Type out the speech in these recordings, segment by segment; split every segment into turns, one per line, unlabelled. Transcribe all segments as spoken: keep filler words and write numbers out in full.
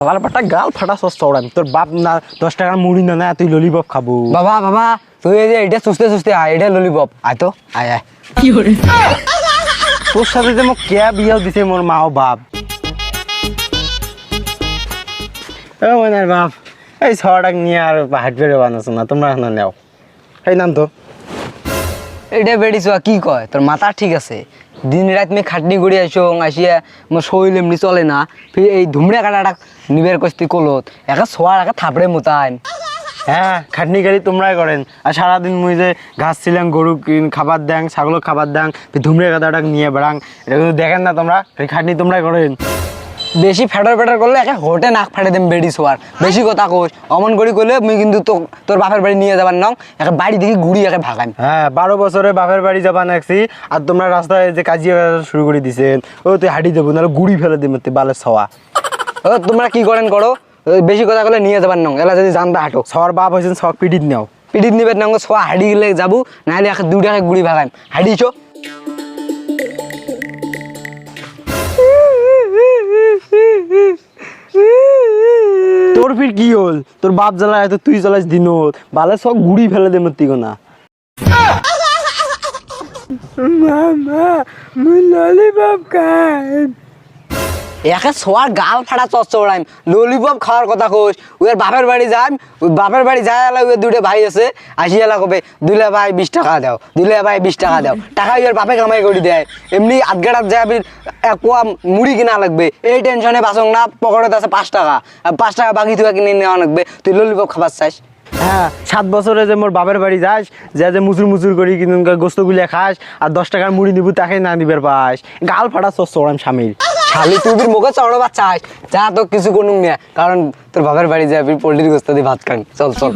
শালার বেটা গাল ফাটা সস চড়াম তোর বাপ না দশ টাকার মুড়ি না না তুই ললিপপ খাবো।
বাবা বাবা তুই এই যে এটা সুস্তে সুস্তে আয়, এটা ললিপপ আয় তো আয় আয়।
কি করে
তোর সাথে যে মোক কে বিয়াও দিছে মোর মা ও বাপ। ও মনার বাপ এই ছটাক নিয়ে আর হাট বেড়ে বানাছো না তোমরা না নেও এই নাম তো
এটা বেড়িছো কি কয় তোর মাথা ঠিক আছে? দিন রাত মেয়ে খাটনি করে আসো আসিয়া মোর শরীর এমনি চলে না, ফির এই ধুমড়ে কাটাটা নিবের কস্তি কলত একা শোয়ার একা থাপড়ে মোতায়েন।
হ্যাঁ খাটনি গাড়ি তোমরাই করেন আর সারাদিন মুই যে ঘাস ছিলাম গরু খাবার দেন ছাগল খাবার দেন ধুমড়ে গাদাটা নিয়ে বেড়াং এটা কিন্তু দেখেন না তোমরা খাটনি তোমরাই করেন।
বেশি ফেটার ফেটার করলে একে হোটে নাক ফাটে দেম বেড়ি শোয়ার, বেশি কথা কোস অমন করি করলে মুই কিন্তু তো তোর বাপের বাড়ি নিয়ে যাবার নাও একে বাড়ি দেখি ঘুরি একে ভাগাম।
হ্যাঁ বারো বছরে বাপের বাড়ি যাবা নাকছি আর তোমরা রাস্তায় যে কাজিয়া শুরু করে দিছেন ও তুই হাঁটি দেবো নাহলে গুড়ি ফেলে দিবে তুই বালের ছওয়া।
ও তোমরা কি করেন করো, বেশি কথা করলে নিয়ে যাবার নাও এলা যদি জানতে হাঁটো।
ছওয়ার বাপ হয়েছেন ছক পিটিত নেও
পিটিত নিবেন নাও ছোয়া হাঁড়ি গেলে যাবো নাহলে একে দুটাকে গুড়ি ভাগাম হাঁড়িছো।
তোর ফির কি হল তোর বাপ জ্বালায় তো তুই জ্বালাস দিনত বালের ছক গুড়ি ফেলে দে মতি না। মামা মুই ললিপপ খাই
একে ছোয়ার গাল ফাটা চচ্চড়াইম ললিপপ খাওয়ার কথা কোস ওর বাপের বাড়ি যাইম ওই বাপের বাড়ি যায় এলা ওই দুটো ভাই আছে আসি এলা কবে দুলে ভাই বিশ টাকা দাও দুলে ভাই বিশ টাকা দাও টাকা ওর বাপে কামাই করে দেয় এমনি আধগাটাত যাবি এক পোয়া মুড়ি কিনা লাগবে এই টেনশনে বাসং না পকেটে আছে পাঁচ টাকা আর পাঁচ টাকা বাকি তুই কিনে নেওয়া লাগবে তুই ললিপপ খাবার চাস।
হ্যাঁ সাত বছরে যে মোর বাপের বাড়ি যাস যে যে মুচুর মুচুর করি কিন্তু গোস্ত গুলিয়া খাস আর দশ টাকার মুড়ি নিবু তাকে না নিবার পাস গাল ফাটা সস চড়াম স্বামীর
খালি তুই মুখে চড়ো বা চাস যা তো কিছু কোনো না কারণ তোর বাপের বাড়ি যাবি পোল্ট্রির গোস্ত দিয়ে ভাত খান চল চল।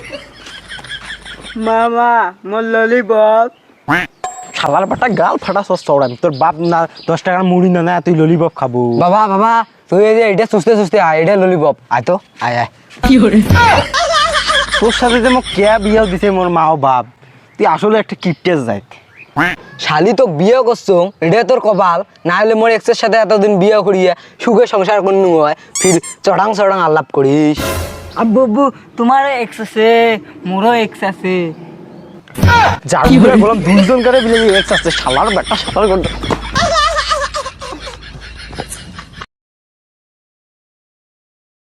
মামা মোর ললিপপ শালার বেটা গাল ফাটা সস চড়াম তোর বাপ না দশ টাকার মুড়ি না না তুই ললিপপ খাবো।
বাবা বাবা তুই এই যে এটা সুস্তে সুস্তে আয়, এটা ললিপপ আয় তো আয় আয়।
কি করে
তোর সাথে যে মোক কে বিয়াও দিছে মোর মা ও বাপ তুই আসলে একটা কিপটেস যাইত।
শালি তো বিয়ে করছো এটা তোর কপাল না হলে মোর এক্সের সাথে এতদিন বিয়ে করিয়ে সুখে সংসার করনু হয় ফির চড়াং চড়াং আলাপ করিস।
আব্বু আব্বু তোমার এক্স আছে মোরও এক্স আছে।
যার বললাম দুইজন করে বিলে এক্স আছে শালার বেটা শালার